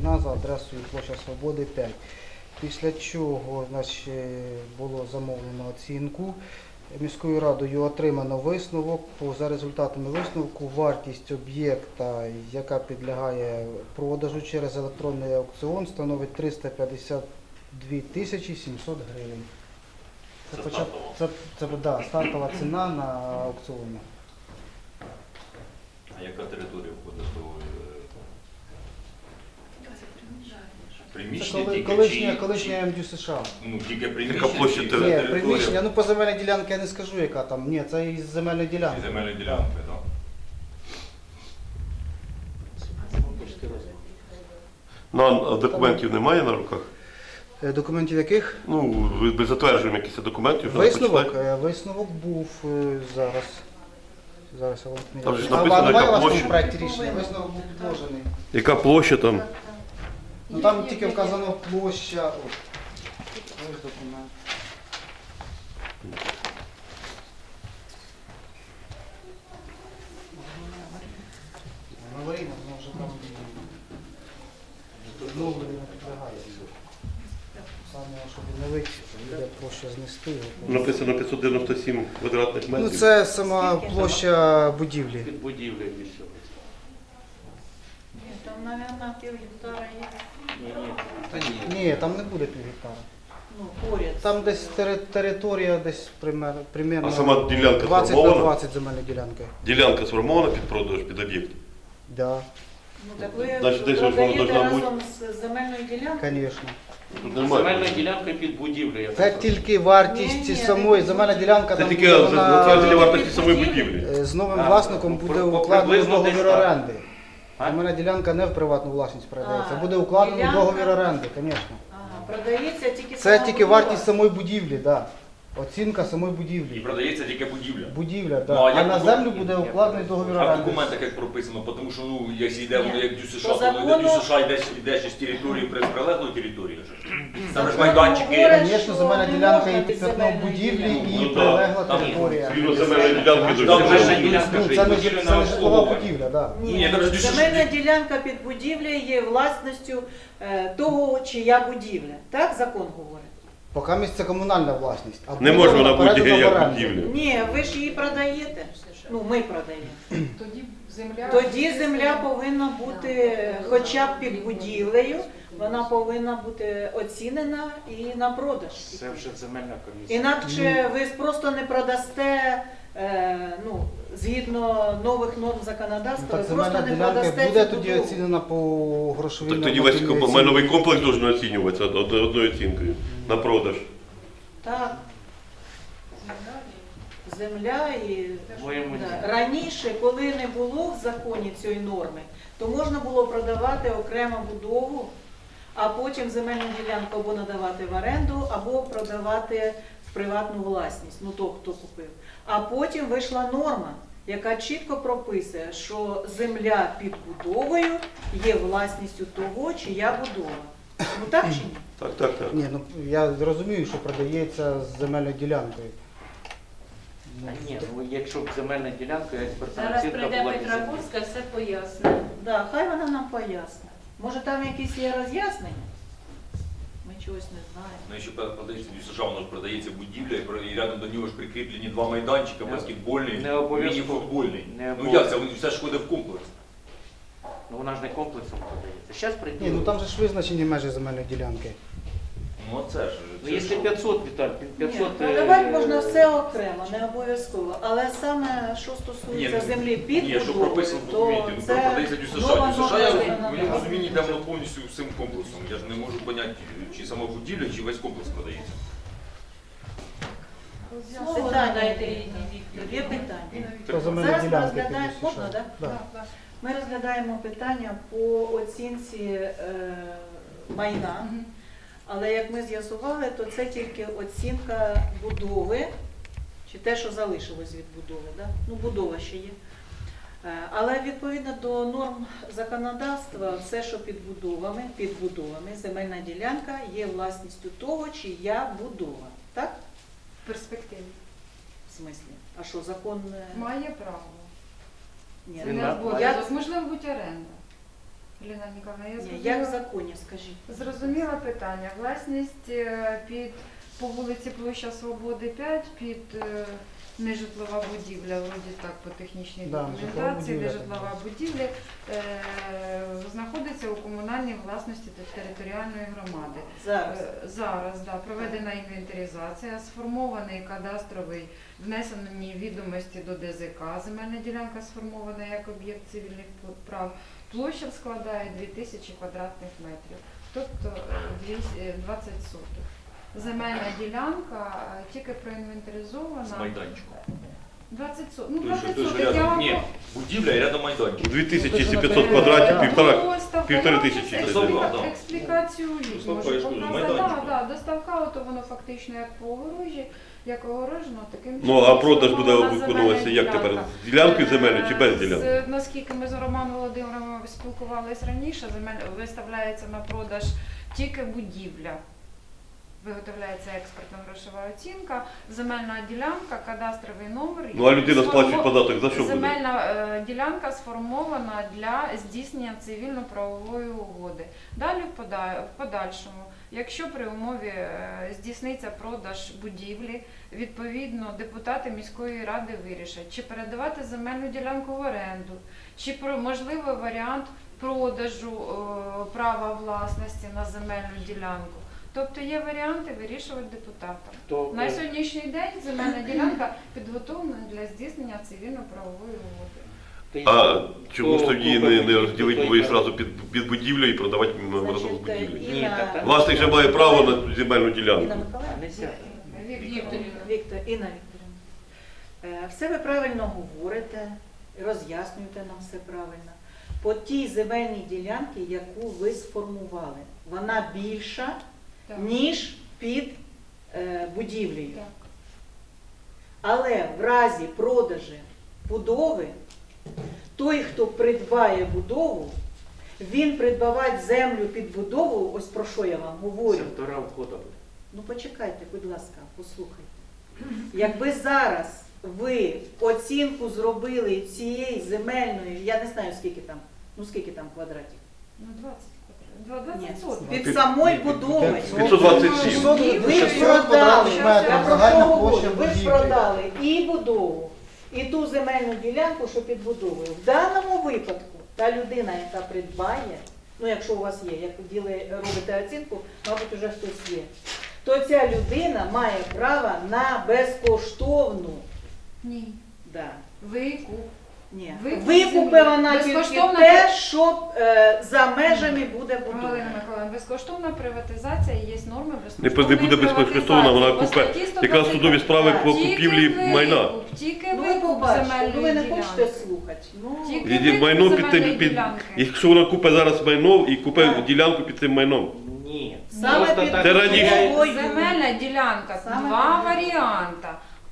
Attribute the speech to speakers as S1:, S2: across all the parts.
S1: майна за адресою площа Свободи 5. Після чого було замовлено оцінку. Міською радою отримано висновок. За результатами висновку вартість об'єкта, яка підлягає продажу через електронний аукціон, становить 352 тисячі 700 гривень. Це стартова ціна на аукціоні.
S2: А яка територія входить до приміщення?
S1: Колишня МДЮ США.
S2: Ну, тільки
S3: Яка площа
S2: приміщення.
S1: Ні, приміщення, ну по земельній ділянці я не скажу, яка там. Ні, це із земельної ділянки.
S2: Земельної ділянки, так?
S3: Ну, а документів немає на руках?
S1: Документів яких?
S3: Ну, ви затверджуємо якісь документів.
S1: Висновок був зараз. Зараз я вам
S3: Там же ж
S1: А
S3: написано,
S1: немає у
S3: яка
S1: вас
S3: площа.
S1: в проєкті рішення? Висновок був підложений.
S3: Яка площа там?
S1: Ну там тільки вказано площа. Ось документ. Аварійно, воно вже там знову не підлягає. Саме, щоб відновити, буде площа знести його.
S3: Написано 597 квадратних метрів.
S1: Ну це сама площа будівлі.
S4: Під будівлею місцевої.
S5: Ні, там, мабуть, пів гектара є.
S1: Ні, там не буде пів гектара.
S5: Ну, поряд.
S1: Там десь територія, десь примерно
S3: А сама ділянка
S1: 20 на
S3: сформована?
S1: 20 земельної ділянки.
S3: Ділянка сформована під продаж, під об'єкт?
S1: Да,
S5: Ну, так ви
S3: Значить, десь воно
S5: продаєте
S3: должна бути.
S5: разом з земельною ділянкою?
S1: звісно.
S3: Тут
S4: Земельна
S3: немає.
S4: ділянка під будівлею.
S1: Це тільки вартість
S5: Ні,
S1: самої земельна ділянка.
S3: Це
S1: там
S3: тільки
S1: буде вона-
S3: затвердження вартості самої будівлі.
S1: З новим
S4: Так,
S1: власником
S4: ну,
S1: буде
S4: приблизно
S1: укладено
S4: десь
S1: договір
S4: так.
S1: оренди.
S4: А?
S1: Земельна ділянка не в приватну власність передається.
S5: А,
S1: Буде укладено
S5: ділянка?
S1: договір оренди, звісно.
S5: Ага, продається тільки
S1: Це
S5: сама
S1: тільки
S5: будова?
S1: вартість самої будівлі, так. Оцінка самої
S2: І
S1: будівлі.
S2: продається тільки будівля.
S1: Будівля,
S2: Ну,
S1: так.
S2: а
S1: А
S2: як
S1: на
S2: ви-
S1: землю буде укладений договір
S2: А в
S1: оренди.
S2: документах як прописано, тому що, ну, якщо йде воно
S5: Ні.
S2: як ДЮСШ,
S5: По
S2: то
S5: закону-
S2: ДЮСШ йде ще з території прилеглої території. Там ж
S5: Закон
S2: майданчики.
S5: говорить,
S1: Звісно,
S5: що
S1: земельна
S5: не
S1: ділянка
S5: можна
S1: і
S5: без
S1: п'ятно
S5: земельної
S1: будівлі,
S5: ділянки.
S1: і
S3: Ну,
S1: прилегла
S2: там
S1: територія.
S3: Згідно земельної ділянки до
S2: Там
S3: земельної
S2: же
S3: ділянки.
S1: Ну, це не житлова будівля, так.
S2: Ні, там же дюсиш-
S5: Земельна ділянка під будівлею є власністю того, чия будівля. Так закон говорить?
S1: Поки місце комунальна власність. А
S3: Не може вона бути
S1: передана в
S3: як
S1: оренду.
S3: будівля.
S5: Ні, ви ж її продаєте. Ну, ми продаємо.
S6: Тоді
S5: Тоді земля повинна бути хоча б під будівлею, вона повинна бути оцінена і на продаж.
S4: Це вже земельна комісія.
S5: Інакше ви просто не продасте, ну, згідно нових норм законодавства,
S1: Так
S5: ви
S1: земельна
S5: просто не
S1: ділянка
S5: продасте
S1: буде
S5: цю
S1: тоді
S5: будову.
S1: оцінена по грошовій
S3: Так тоді весь
S1: нормативній оцінці.
S3: майновий комплекс должен оцінюватися одною оцінкою на продаж.
S5: Так. Земля і
S4: Моєму
S5: да. Раніше, коли не було в законі цієї норми, то можна було продавати окрему будову, а потім земельну ділянку або надавати в оренду, або продавати в приватну власність, ну то, хто купив. А потім вийшла норма, яка чітко прописує, що земля під будовою є власністю того, чия будова. Ну так чи ні?
S3: Так.
S1: Ні, ну я розумію, що продається з земельною ділянкою.
S4: А ні, ну якщо б земельна ділянка, експертна
S6: зараз
S4: оцінка
S6: прийде
S4: була
S6: Петра
S4: під
S6: Курська, все пояснить.
S5: Да, хай вона нам пояснить. Може там якісь є роз'яснення? Ми чогось не знаємо.
S2: Ну, якщо продається ДЮСШ, воно ж продається будівля, і рядом до нього ж прикріплені два майданчика, баскетбольний,
S4: Не обов'язково.
S2: міні-футбольний.
S4: Не
S2: Ну як це? Все ж ходить в комплекс.
S4: Ну вона ж не комплексом продається. Зараз прийде.
S1: Ні, ну там же ж визначені межі земельної ділянки.
S2: Ну це ж.
S4: Ну, якщо 500, Віталь, 500...
S5: Ні, продавати можна все окремо, не обов'язково. Але саме, що стосується
S2: Ні, ну,
S5: землі під
S2: Ні, що
S5: будовою,
S2: прописано в
S5: то
S2: документі, ну
S5: це
S2: продається ДЮСШ.
S5: нова
S2: ДЮСШ,
S5: норма
S2: я в
S5: законодавства.
S2: моєму розумінні йде воно повністю всім комплексом. Я ж не можу поняти, чи сама будівля, чи весь комплекс продається.
S5: Слово
S6: Питання
S5: надаєте
S6: є.
S5: Ірині Вікторівні. Є питання.
S1: Про земельні
S5: Зараз ми
S1: ділянки.
S5: розглядаємо,
S1: підвищує.
S5: можна, так?
S1: Да.
S5: Ми розглядаємо питання по оцінці майна. Але як ми з'ясували, то це тільки оцінка будови, чи те, що залишилось від будови. Да? Ну, будова ще є. Але відповідно до норм законодавства, все, що під будовами, земельна ділянка є власністю того, чия будова. Так?
S6: В перспективі.
S5: В смислі? А що, закон...
S6: Має право.
S5: Ні,
S6: Це
S4: Він
S6: не
S4: на-
S6: обов'язок.
S5: я-
S6: Можливо, бути оренда. Ліна Ніколаївна, я
S5: Ні, як в
S6: зрозуміла,
S5: законі, скажіть.
S6: зрозуміла питання. Власність під по вулиці Площа Свободи 5 під нежитлова будівля, вроді так, по технічній
S1: Да,
S6: документації,
S1: нежитлова
S6: нежитлова
S1: будівля,
S6: будівля знаходиться у комунальній власності територіальної громади.
S5: Зараз.
S6: Зараз проведена інвентаризація, сформований кадастровий, внесені відомості до ДЗК, земельна ділянка сформована як об'єкт цивільних прав, площа складає 2000 квадратних метрів, тобто 20 соток. Земельна ділянка тільки
S2: З
S6: проінвентаризована.
S2: майданчиком.
S6: 20 соток. Ну,
S2: Той, що-
S6: 20
S2: той, що
S6: соток. Я
S2: рядом.
S6: вам
S2: Ні, будівля і рядом майданчик.
S3: 2500 квадратів, півтори тисячі.
S2: Доставка, да.
S6: Експлікацію
S2: Доставка, я ж кажу, майданчик.
S6: доставка, ото воно фактично як по огорожі, як огорожено, таким
S3: Ну, а продаж буде
S6: сформована
S3: виконуватися
S6: земельна
S3: як тепер?
S6: ділянка.
S3: З ділянкою земельною чи без ділянки?
S6: Наскільки ми з Романом Володимировим спілкувалися раніше, виставляється на продаж тільки будівля. Виготовляється експертна грошова оцінка, земельна ділянка, кадастровий номер.
S3: Ну а людина сплачує податок за що буде?
S6: Земельна ділянка сформована для здійснення цивільно-правової угоди. Далі в подальшому, якщо при умові здійсниться продаж будівлі, відповідно депутати міської ради вирішать, чи передавати земельну ділянку в оренду, чи можливий варіант продажу права власності на земельну ділянку. Тобто є варіанти вирішувати депутатам.
S4: То,
S6: На сьогоднішній день земельна ділянка підготовлена для здійснення цивільно-правової угоди.
S3: А чому ж тоді не розділити бо і одразу під будівлю і продавати разом з
S5: Значить,
S3: будівлею?
S4: Ні, так, так.
S3: Власник же має право на цю земельну
S5: Інна
S3: ділянку.
S5: Миколаївна?
S4: Нельзя.
S5: Інна Вікторівна. Все ви правильно говорите, роз'яснюєте нам все правильно. По тій земельній ділянці, яку ви сформували, вона більша,
S6: Так.
S5: ніж під будівлею.
S6: Так.
S5: Але в разі продажу будови, той, хто придбає будову, він придбавати землю під будову, ось про що я вам говорю.
S4: Сектора входу буде.
S5: Ну почекайте, будь ласка, послухайте. Якби зараз ви оцінку зробили цієї земельної, я не знаю скільки там квадратів.
S6: Ну, 20 квадратів.
S5: Ні,
S6: 20 соток.
S5: під самої будови.
S3: 527.
S5: Ви ж
S1: 600
S5: продали,
S1: квадратних
S5: я
S1: метрів,
S5: про що
S1: загальна
S5: говорю,
S1: площа
S5: ви ж
S1: будівлі.
S5: продали і будову, і ту земельну ділянку, що під будовою. В даному випадку та людина, яка придбає, ну якщо у вас є, як робите оцінку, мабуть, уже хтось є, то ця людина має право на безкоштовну.
S6: Ні.
S5: Да.
S6: Викуп.
S5: Ні.
S6: Викуп
S5: Викупи
S6: землі.
S5: вона тільки
S6: Безкоштовна
S5: те, що за межами буде будова.
S6: Галина Миколаївна, безкоштовна приватизація є норми
S3: Не
S6: безкоштовної
S3: буде безкоштовна, вона
S6: приватизації.
S3: купе
S6: По статті
S3: якраз судові справи по
S6: 125.
S3: купівлі
S6: Тільки
S3: майна.
S6: викуп, Тільки
S5: Ну ви
S6: викуп
S5: побачите, ну ви
S6: земельної
S5: не
S6: ділянки.
S5: хочете слухати. Ну,
S6: Тільки
S3: І
S6: викуп
S3: майно під
S6: земельної
S3: тим,
S6: ділянки.
S3: якщо вона купить зараз майно і купить
S5: Так.
S3: ділянку під цим майном.
S4: Ні.
S5: Саме
S4: Просто
S5: під
S4: так.
S3: Це раніше.
S5: будовою.
S6: Земельна ділянка,
S5: Саме
S6: два
S5: під-
S6: варіанти.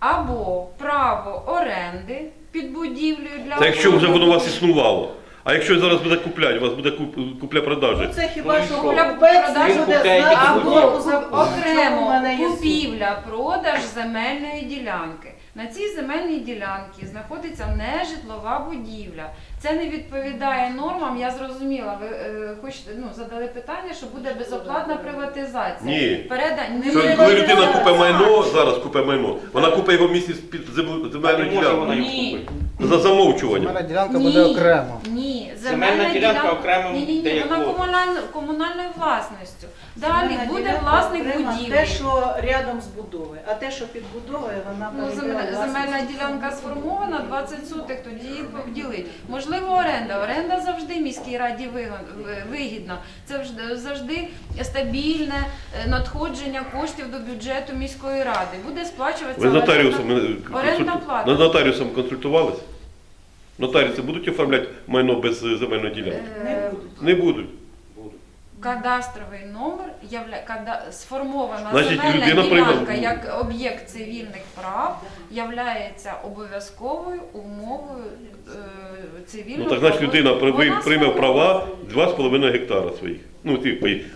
S6: Або право оренди під будівлею для
S3: Це якщо вже воно у вас
S6: охорони.
S3: існувало. А якщо зараз буде купляти, у вас буде купля-продажа.
S5: Ну це хіба
S4: Ну,
S5: що
S4: і що?
S5: купець
S4: Ви
S5: буде
S4: купляєте
S5: знати,
S4: будівлю.
S6: Або
S5: в чому в мене є суть.
S6: купівля-продаж земельної ділянки. На цій земельній ділянці знаходиться нежитлова будівля. Це не відповідає нормам, я зрозуміла. Ви хочете, задали питання, що буде безоплатна приватизація.
S3: Ні.
S6: Не
S3: Що,
S6: буде
S3: коли людина
S6: приватизація.
S3: купить майно, зараз купить майно, вона купить його в місці під
S4: А
S3: земельну
S4: не може вона
S3: ділянку.
S4: їх
S6: Ні.
S4: купити.
S3: За замовчуванням.
S1: Земельна ділянка буде окремо.
S6: Ні,
S4: Земельна ділянка окремо
S6: Ні,
S4: де
S6: вона
S4: якого?
S6: комунальною власністю. Далі
S5: Земельна
S6: буде
S5: ділянка
S6: власник
S5: окремо
S6: будівлі.
S5: Те, що рядом з будовою, а те, що під будовою, вона
S6: Земельна ділянка сформована, 20 соток, тоді їх поділить. Можливо, оренда. Оренда завжди міській раді вигідна. Це завжди стабільне надходження коштів до бюджету міської ради. Буде сплачуватися
S3: Ви з нотаріусом
S6: орендна плата.
S3: над нотаріусом консультувались? Нотаріуси будуть оформляти майно без земельної ділянки?
S5: не будуть.
S3: Не будуть.
S4: Будуть.
S6: Кадастровий номер сформована
S3: Значить,
S6: земельна
S3: людина
S6: ділянка
S3: прийме-
S6: як об'єкт цивільних прав являється обов'язковою умовою цивільного.
S3: Ну так значить людина прийме
S6: сформована.
S3: права 2,5 гектара своїх. Ну, типу,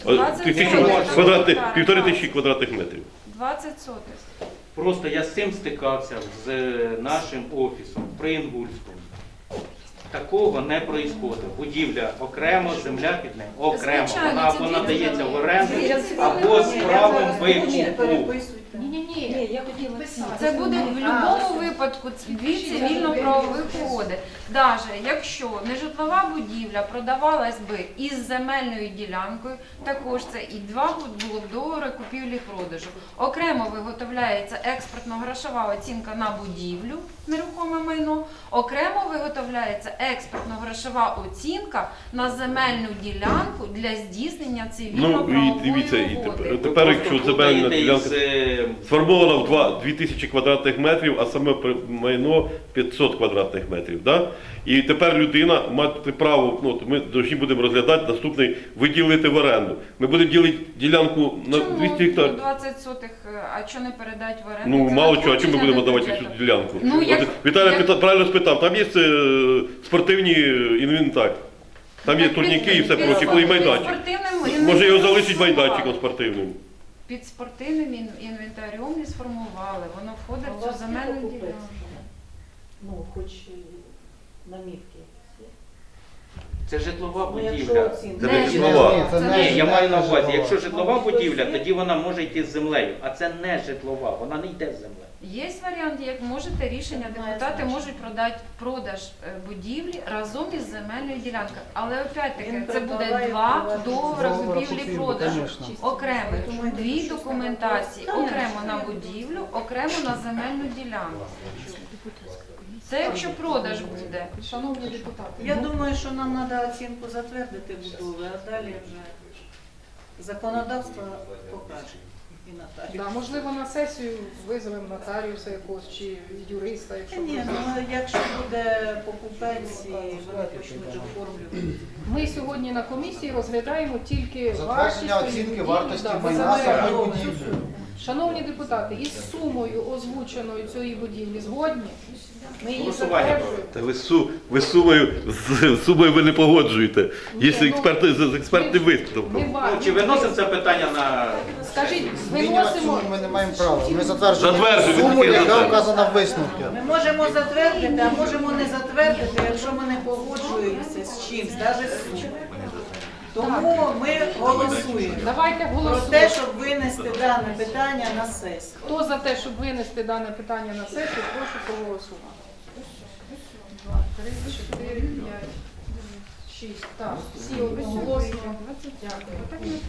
S6: 20
S3: півтори тисячі квадратних метрів.
S6: 20 сотих.
S4: Просто я з цим стикався з нашим офісом при Інгульському. Такого не происходить. Будівля окремо, земля під нею окремо.
S6: Звичайно,
S4: Вона
S6: це
S4: або
S6: дійсно
S4: надається в
S6: так.
S4: оренду,
S6: Це
S4: або з правом викупу.
S5: Переписуйте.
S7: Ні, я хотіла
S6: Це буде в будь-якому випадку дві цивільно-правових угоди. Навіть якщо нежитлова будівля продавалась би із земельною ділянкою, також це і два було б договори купівлі-продажу. Окремо виготовляється експертно-грошова оцінка на будівлю, нерухоме майно, окремо виготовляється експертно-грошова оцінка на земельну ділянку для здійснення
S3: Ну і
S6: цивільно-правової
S3: дивіться,
S6: угоди.
S3: тепер якщо
S4: Просто
S3: земельна
S4: плутаєте
S3: ділянка
S4: із,
S3: сформована в 2000 квадратних метрів, а саме майно 500 квадратних метрів. Да? І тепер людина має право, ну, ми повинні будемо розглядати наступний, виділити в оренду. Ми будемо ділити ділянку на 200 гектарів.
S6: 20 сотих, а що не передать в оренду?
S3: Ну
S6: Це
S3: мало чого, а чому ми будемо
S6: надходження
S3: давати
S6: до
S3: цю ділянку?
S6: Ну, як-
S3: Віталій
S6: як-
S3: правильно спитав, там є спортивні інвентар, там є
S6: Так,
S3: турніки і все
S6: під-
S3: проче,
S6: під
S3: і майданчик.
S6: спортивним
S3: Може його
S6: інвентарем
S3: залишить майданчиком
S6: сформували.
S3: спортивним.
S6: Під спортивним інвентарем не сформували, воно входить в цю земельну ділянку.
S5: Ну, хоч намітки.
S4: Це житлова
S5: Ну, якщо
S4: будівля.
S5: оцінка.
S3: Це
S6: Не
S3: не житлова.
S1: Ні, це
S4: Ні, я маю на увазі,
S1: житлова.
S4: якщо житлова будівля, тоді вона може йти з землею, а це не житлова, вона не йде з землею.
S6: Є варіант, як можете рішення, депутати можуть продати продаж будівлі разом із земельною ділянкою. Але опять-таки
S5: Він
S6: це буде
S5: придбаває
S6: два
S5: приватну
S6: договори
S1: Договори
S6: купівлі-продажу.
S1: конечно.
S6: Окремих
S5: Думаю,
S6: дві
S5: що
S6: документації,
S5: саме.
S6: окремо на будівлю, окремо на земельну ділянку. Це якщо продаж буде.
S7: Шановні депутати,
S5: Я думаю, що нам треба оцінку затвердити будови, а далі вже законодавство покаже. І нотаріус.
S7: да, можливо, на сесію визовемо нотаріуса якогось чи юриста, якщо
S5: Ні,
S7: буде.
S5: ну якщо буде покупець і вони почнуть оформлювати.
S7: Ми сьогодні на комісії розглядаємо тільки
S1: Затвердження
S7: вартість
S1: оцінки
S7: будівлі,
S1: вартості
S7: да,
S1: майна
S7: за
S1: самої
S7: земельну.
S1: будівлі.
S7: Шановні депутати, із сумою озвученою цієї будівлі згодні? Ми її
S4: Голосування
S7: затверджуємо.
S3: Та ви з сумою ви не погоджуєте. Є
S7: ну,
S3: експерти з експертним
S7: Ми
S3: висновком.
S7: ба-
S4: Ну, чи виносимо це питання на...
S7: Скажіть,
S1: Змінювати
S7: виносимо.
S1: суму ми не маємо права. Ми затверджуємо
S3: Затверджуємо,
S1: суму,
S3: тільки
S1: яка
S3: затверджуємо.
S1: вказана в висновку.
S5: Ми можемо затвердити, а можемо не затвердити, якщо ми не погоджуємося з чимсь, навіть з сумою. Тому ми голосуємо
S7: Давайте
S5: про те,
S7: голосуємо.
S5: щоб винести дане питання на сесію.
S7: Хто за те, щоб винести дане питання на сесію, прошу проголосувати. 2, 3, 4, 5, 6. Так, всі одноголосно. Дякую.